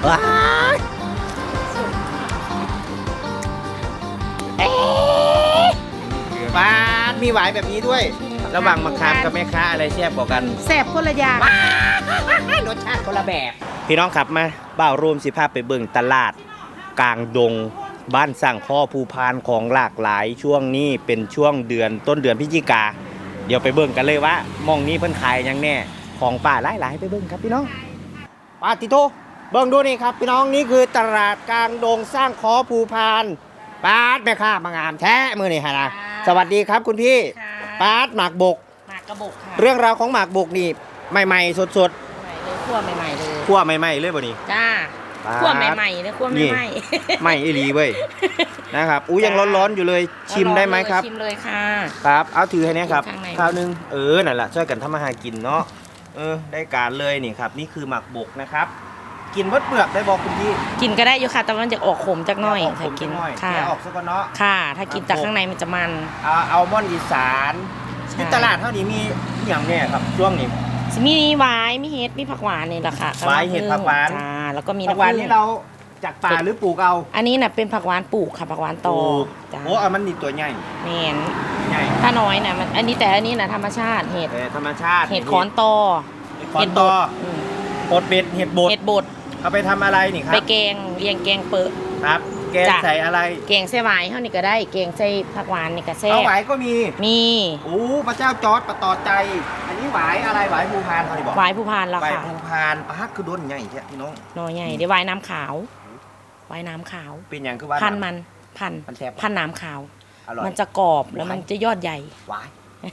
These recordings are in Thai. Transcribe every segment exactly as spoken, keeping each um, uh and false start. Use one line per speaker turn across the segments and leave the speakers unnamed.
ว้ายเอ๊ะปาดมีหวายแบบนี้ด้วย ระหว่างมะขามกับแม่ค้าอะไรแซ่บกว่ากัน
แซ่บคนละอย่าง
รสชาติคนละแบบ พี่น้องขับมาบ่าวรวมสิภาพไปเบิ่งตลาดกลางดงบ้านสั่งข้อภูพานของหลากหลายช่วงนี้เป็นช่วงเดือนต้นเดือนพฤศจิกาเดี๋ยวไปเบิ่งกันเลยว่ามองนี้เพิ่นขายยังแน่ของป่าหลายๆไปเบิ่งครับพี่น้องปาติโตเบิ่งดูนี่ครับพี่น้องนี่คือตลาดกลางดงสร้างข้อภูพานปาดแม่ค้ามางามแท้มือนี่ฮะนะสวัสดีครับคุณพี่ปาดหมากบก
หมากกระบอกค่ะ
เรื่องราวของหมากบกนี่ใหม่ๆสดๆ
ใหม่เลยคั่วใหม่ๆเลย
คั่วใหม่ๆเลยบ่นี่
จ้าคั่วใหม่ๆเลยคั่วใหม่
ไม่อีหลีเว้ยนะครับอู้ยังร้อนๆอยู่เลยชิมได้ไหมครับ
ชิมเลยค่ะ
ครับเอาถือให้เนี่ยครับ
ข้างใน
ข้าวนึงเออนั่นแหละช่วยกันทำอาหารกินเนาะเออได้การเลยนี่ครับนี่คือหมากบกนะครับกินเปลือกได้บอกคุณพี่
กินก็ได้อยู่ค่ะแต่มันจะออกขมจักหน่อย
ออกข
ถ้าม กิน
หน่อย
ค่ะ
แกะออกซะก่อนเนาะ
ค่ะ ถ้ากินจากข้างในมันจะมัน
เอาอัลมอนด์อีสาน
ใช่
ที่ตลาดเท่านี้มีอย่างเนี่ยครับช่วงนี้
มีหวายมีเห็ดมีผักหวานนี่แหละค่ะ
หวายเห็ดผักหวาน
จ้าแล้วก็มี
ผักหวาน
ผึ้ง
นี่เราจากป่าหรือปลูกเอา
อันนี้น่ะเป็นผักหวานปลูกค่ะผักหวานโต
ปลูก
จ้า
โอ้เอามันนี่ตัวใหญ่
แมน
ใหญ่
ถ้าน้อยน่ะมันอันนี้แต่อันนี้น่ะธรรมชาติเห็ด
แต่ธรรมชาติ
เห็ดขอนตอ
เห็ดขอนตอ
อืม
บดเบ็ดเห็ดบด
เห็ดบด
เอาไปทำอะไรนี่ครั
ไป
บ
แกงเรียงแกงเปอะ
ครับ แกง
จ้ะ
ใส่อะไร
แกงใส่หวายเท่านี้ก็ได้แกงใส่ผักหวานนี่ก็แซ่
เอา
บ
หวายก็มี
มี
โอ้พระเจ้าจอร์ดประต่อใจ อันนี้หวายอะไรหวายภูพานเขาดิบอก
หวายผู้พานแล้ว
หวาย
ค่ะ
ภูพานปาร์คคือด้นใหญ่แท้พี่น้อง
หน่อใหญ่เดี๋ยวหวายน้ำขาวหวายน้ำขาว
เป็นอย่างคือว่า
พันมันพัน
มันแซ่บ
พันน้ำขาว
อร่อย
มันจะกรอบแล้วมันจะยอดใหญ่
หวาย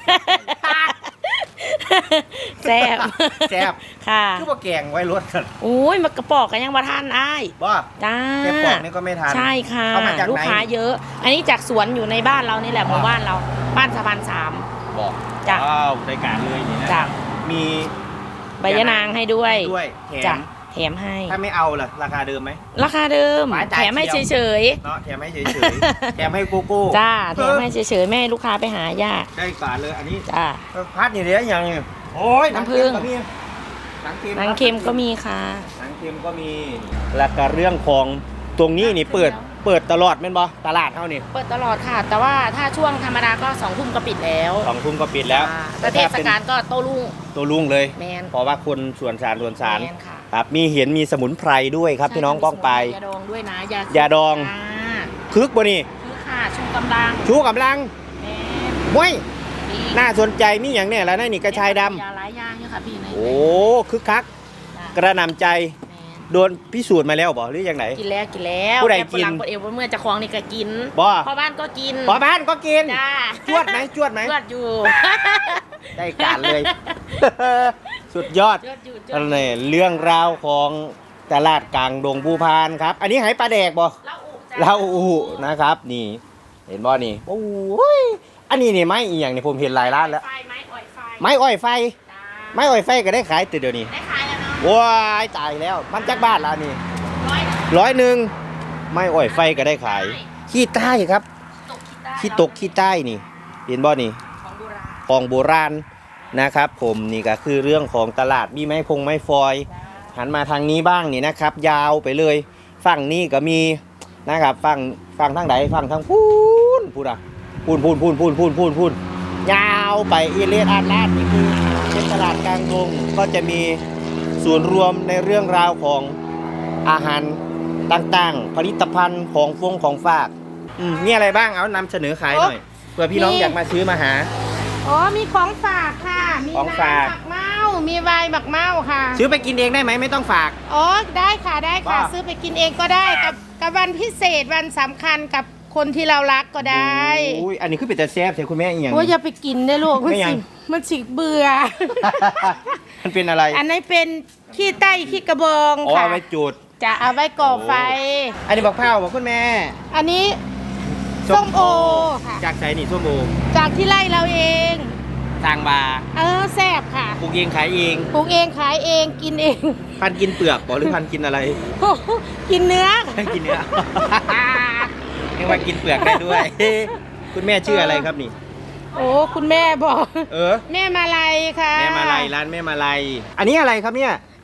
แซ่บ
แซ่บ
ค่ะ
คือว่าแกงไว้รสกัน
อุ้ยมันกระปอกกันยังมาทานอ้าย
ว่า
จ้า
แกงปอกนี่ก็ไม่ทาน
ใช่ค่ะ
เอามาจากไหน
ลูกค้าเยอะ อันนี้จากสวนอยู่ในบ้านเรานี่แหละหมู่บ้านเราบ้านสะพานสาม
บอก
จ้ะ
ว้าวได้การเลยนี่นะ
จ้ะ
มี
ใบยะนางให้ด้วย
ด้วยแถ
จ้ะ
ม
แถมให้
ถ้าไม่เอาล่ะราคาเดิมไหม
ราคาเดิม
หวานจ่าย
แถมให้
เดียว
เฉย
เนาะแถมให้เฉยๆแถมให้โกโก้
ๆจ้าแถมให้เฉยๆไม่ให้ลูกค้าไปหายาก
ได้การเลยอันนี้
จ้า
พัดนี่เดี๋ยวอย่างนี้โอ้ย
น้ำผึ้ง
หนังเค็ม
หนังเค็มก็มีค่ะ
หนังเค็มก็มีแล้วก็เรื่องของตรงนี้นี่เปิดเปิดตลอดแม่นบ่ตลาดเท่านี่
เปิดตลอดค่ะ แต่ว่าถ้าช่วงธรรมดาก็สองทุ่มก็ปิดแล้ว
สองทุ่มก็ปิดแล้ว
จ้าแต่เทศกาลก็โต้รุ่ง
ตัวลุงเลย
แมน
เพราะว่าคนส่วนสารส่วนสาร
แมนค่ะ
ครับมีเห็นมีสมุนไพรด้วยครับพี่น้องป้องไป
ยาดองด้วยนะยาย
าดอง
จ้า
คึกบ่นี่
คือค่ะชูกำลัง
ชูกำลัง
แมน
ม้วย
ดี
น่าสนใจมีอย่างเนี่ยแล้วนั่นนี่กระชายดำ
ยาหลายอย่างอยู่ค่ะพี่ใน
โอ้คึกคัก
จ้ะ
กระหนำใจ
แมน
โดนพิสูจน์มาแล้วบ่หรือยังไง
กินแล้วกินแล้ว
ผู้ใด
แม่
กิน
ฝรั่งคนเอวเมื่อจะคลองนี่ก็กิน
บ่
พ่อบ้านก็กิน
พอบ้านก็กิน
จ้า
จวดไหมจวดไหม
จวดอยู่
ได้การเลย สุดยอด
จวดอยู่จว
อั
ด
น
อยู่
นี้เรื่องราวของตลาดกลางดงภูพานครับ อันนี้ไหปลาแดกบ่
เราอุจ้ะ
เราอูนะครับ นี่ เห็นบ่นี่โอ้ยอันนี้นี่ไม้อีหยังนี่ผมเห็นหลายร้านแล้ว
ไฟไม้อ่อยไฟ
ไม้อ้อยไฟ
จ้า
ไม้อ้อยไฟก็ได้ขายติดเดี๋ยวนี้
ได้ขายแล้วเนาะ
ว้ายตายแล้วมันจักบ้านแล้วนี่
ร้อย
ร้อยหนึ่งไม้อ้อยไฟก็ได้ขาย ขี้ใต้ครับ
ตกคิดได้
ขี้ตกขี้ใต้นี่ เห็นบ่นี่
ของโบราณ
ของโบราณนะครับ ผมนี่ก็คือเรื่องของตลาดมีไม้พงไม้ฟอย หันมาทางนี้บ้างนี่นะครับ ยาวไปเลยฝั่งนี้ก็มีนะครับฝั่งฝั่งทางไหนฝั่งทางพูนพูนอ่ะพูนพูนพูนพูนพูนพูนพูนยาวไปอีเลสอาดลาดนี่คือเป็นตลาดกลางดงก็จะมีส่วนรวมในเรื่องราวของอาหารต่างๆ ผลิตภัณฑ์ของฟงของฝากอืมมีอะไรบ้างเอานำเสนอขายหน่อยเผื่อพี่น้องอยากมาซื้อมาหา
อ๋อมีของฝากค่ะ มี
ของ
น้ำ
ฝาก
หมักเมามีไวน์หมักเมาค่ะ
ซื้อไปกินเองได้ไหมไม่ต้องฝาก
อ๋อได้ค่ะได้ค่ะ
ว่า
ซื้อไปกินเองก็ได้กับกับวันพิเศษวันสำคัญกับคนที่เรารักก็ได้
อุ้ยอันนี้คือเป็นแต่แซ่บใช่คุณแม่อีกอย่าง
โอ้ยอย่าไปกินได้ลูกมัน
ไม่ยั
สิ
ง
มันสิเบื่อ
มันเป็นอะไร
อันนี้เป็นขี้ไต้ขี้กระบอง
อ๋อ
ค่ะ
เอาไว้จุด
จะเอาไว้ก่อไฟ
อันนี้บอกเผาบอกคุณแม่
อันนี้ส้มโอค่ะ
จากไสนี่ส้มโอ
จากที่ไร่เราเอง
ทางบา
เออแซ่บค่ะ
ปลูกเองขายเอง
ปลูกเองขายเองกินเอง
พันกินเปลือกบอกหรือพันกินอะไร
กินเนื้อ
พันกินเนื้อ เรียกว่ากินเปลือกได้ด้วย คุณแม่ชื่ออะไรครับนี่
โอ้คุณแม่บอก
เออ
แม่มาลัยค่ะ
แม่มาลัยร้านแม่มาลัยอันนี้อะไรครับเนี่ย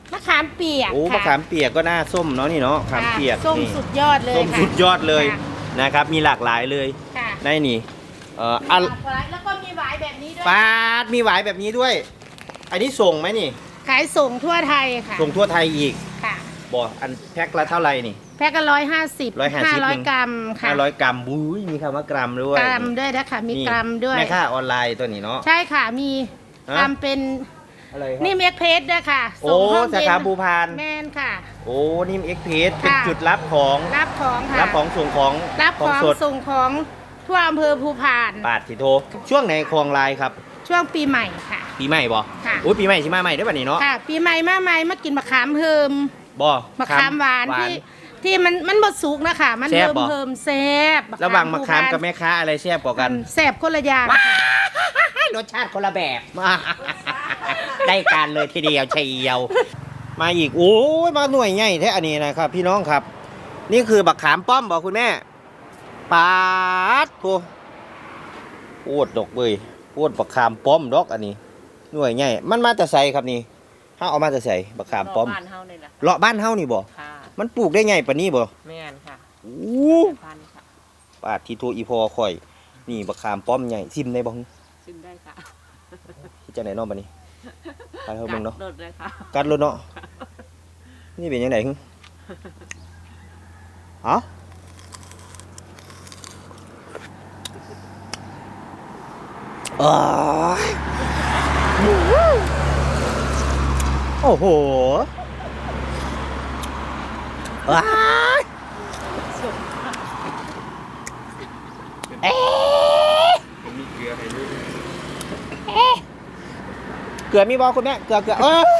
มะขามเปียก
โอ้
ค่ะ
มะขามเปียกก็น่าส้มเนาะนี่เนาะมะขาม
ค่ะ
เปียก
ส้ม
นี่
สุดยอดเลย
ส้ม
ค่ะ
สุดยอดเลย
ค่ะ
นะครับมีหลากหลายเลย
ค่ะ
ในนี่เอ่ออัน
แล้วก็มีหวายแบบนี้ด้วย
ปาดมีหวายแบบนี้ด้วย อันนี้ส่งไหมนี่
ขายส่งทั่วไทยค่ะ
ส่งทั่วไทยอีก
ค่ะ
บ่อันแพ็คละเท่าไหร่นี่
แพ็คก็ร้อยห้าสิบ
ร้อยห้าสิบ
ร้อยกรัมค่ะ
ห้าร้อยกรัมบุ้ยมีคำว่ากรัมด้วย
กรัมด้วยนะคะมี
นี่
กรัมด้วย
แม่ค้าออนไลน์ตัวนี้เนาะ
ใช่ค่ะมี
ฮะ
ทำเป็น
อะไรครับ
นี่เมกเพจด้วยค่ะ
โอ้
ส่งห้อง
สา
เย็น
ขาภูพาน
แมนค่ะ
โอ้นิ่มเอ็กเพสเป็น
ค่ะ
จุดรับของ
รับของค่ะ
รับของส่งของ
รับของ
สด
ส่งของทั่วอำเภอภูพาน
ปาดสิโทช่วงไหนคลองลายครับ
ช่วงปีใหม่ค่ะ
ปีใหม่บ่
ค่ะ
โอ้ยปีใหม่สิมาใหม่ได้ป่ะนี่เนาะ
ค่ะ ปีใหม่มาใหม่มากินมะขามเฮิม
บ่
มะขามหวานที่ที่มันมันบดสุกนะคะมัน
แซ่บ
เฮิม
บ่
เฮิมแซ่บ
ระหว่างมะขาม
ภูพน
กับแม่ค้าอะไรแซ่บกว่ากัน
แซ่บคนละอย่างค่ะ
รสชาติคนละแบบ ได้การเลยทีเดียวเชียวมาอีกโอ้ยมาหน่วยใหญ่แท้อันนี้นะครับ พี่น้องครับ นี่คือบักขามป้อมบอกคุณแม่ปาดโถโอดดอกเบยโอดบักขามป้อมดอกอันนี้ หน่วยใหญ่มันมาแต่ใส่ครับนี่ถ้าเอามาแต่ใส่บักขามป้อม
บ้านเฮานี่แหละ
เลาะบ้านเฮานี่บ่
ค่ะ
มันปลูกได้ไงปะนี่บ่
แม่นค่ะ
โอ้
พันธุ์ค่ะ
ปาดทีโทอีพอข่อย นี่บักขามป้อมใหญ่ซิมได้บ่
ชิมได้ค่ะ
ที่จะไหนเนอกบัดนี้ไปเฮาเบิ่งเนาะ
โดดเลยค่ะ
กัดรถเนาะนี่เป็นยังไงฮึอ๋ออ้ายโอ้โหว้ายเอ๊ะ
มีเกลือให้ด้วย
เอ๊ะเกลือมีบอคุณแม่เกลือเกลือเออ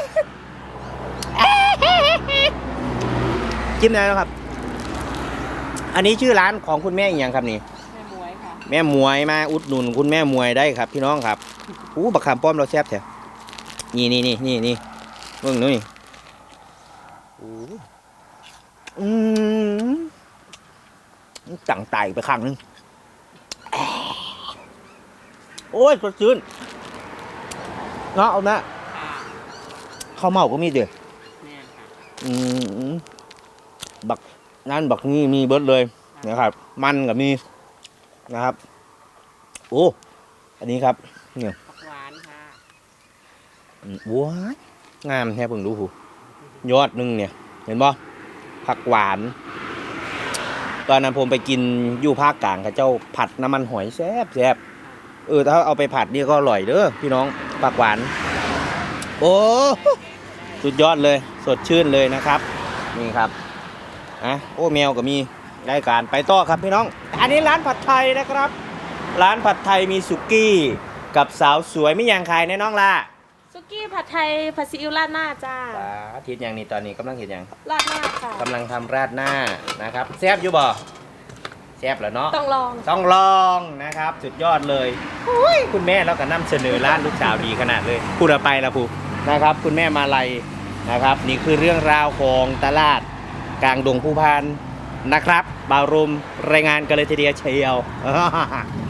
จิ้มได้แล้วครับ อันนี้ชื่อร้านของคุณแม่อีกอย่างครับนี่
แม่มวยค่ะ
แม่มวยมาอุดหนุนคุณแม่มวยได้ครับ พี่น้องครับอู้บักขามป้อมเราแซ่บแท้นี่นี่นี่นี่นี่เบิ่งนู่นนี่อู้อืมจังไตไปข้างนึงโอ้ยสดชื่นเนาะเอานะ
ค่ะ
ข้าวเมาก็มีเด้อ
แม่นค่ะ
อืมบักนั่นบักนี่มีเบิดเลยนะครับ มันกับมีนะครับ โอ้อันนี้ครับเนี่ย
ผักหวานค่ะ
อืมว้ายงามแท้เพิ่งดูหูยอดหนึงเนี่ย เห็นบ่ผักหวาน ตอนนั้นผมไปกินอยู่ภาคกลางกับเจ้าผัดน้ำมันหอยแซ่บแซ่บเออถ้าเอาไปผัดนี่ก็อร่อยเด้อพี่น้องผักหวาน โอ้สุดยอดเลย สดชื่นเลยนะครับ นี่ครับอ่ะโอ้แมวก็มีได้การไปต่อครับพี่น้อง อันนี้ร้านผัดไทยนะครับ ร้านผัดไทยมีสุกี้กับสาวสวยไม่ยังขายแน่น้องล่ะ
ซุกี้ผัดไทยผัดซีอิ๊วราดหน้าจ้า
สาธิตอย่างนี้ตอนนี้กำลังเห็นอย่าง
ราดหน้าค่ะ
กำลังทำราดหน้านะครับแซ่บอยู่บ่แซ่บแล้วเนาะ
ต้องลอง
ต้องลองนะครับ สุดยอดเลยอุ้ยคุณแม่เราก็นำเสนอร้านลูกสาวดีขนาดเลยพูดเอาไปละพูนะครับ คุณแม่มาลัยนะครับ นี่คือเรื่องราวของตลาดกลางดงภูพานนะครับบาวรุมรายงานกันเลยทีเดียวเชียว